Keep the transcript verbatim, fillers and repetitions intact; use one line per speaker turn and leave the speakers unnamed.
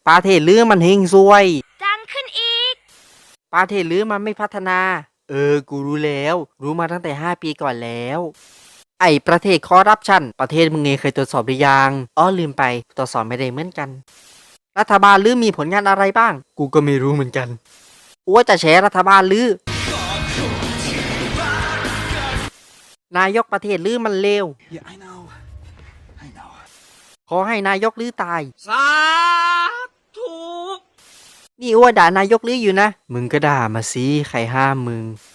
ประเทศลือมันเฮงซวย
ดังขึ้นอีก
ประเทศลือมันไม่พัฒนา เออ กูรู้แล้ว รู้มาตั้งแต่ห้าปีก่อนแล้ว ไอ้ประเทศคอร์รัปชันประเทศมึงเองเคยตรวจสอบหรือยังอ๋อลืมไปตรวจสอบไม่ได้เหมือนกัน รัฐบาลลือมีผลงานอะไรบ้าง กูก็ไม่รู้เหมือนกันอ้วจะแฉรัฐบาลลือนายกประเทศลือมันเลว
Yeah, I know. I know.
ขอให้นายกลือตาย
สาธุ
นี่อ้วด่านายกลืออยู่นะ มึงก็ด่ามาสิใครห้ามมึง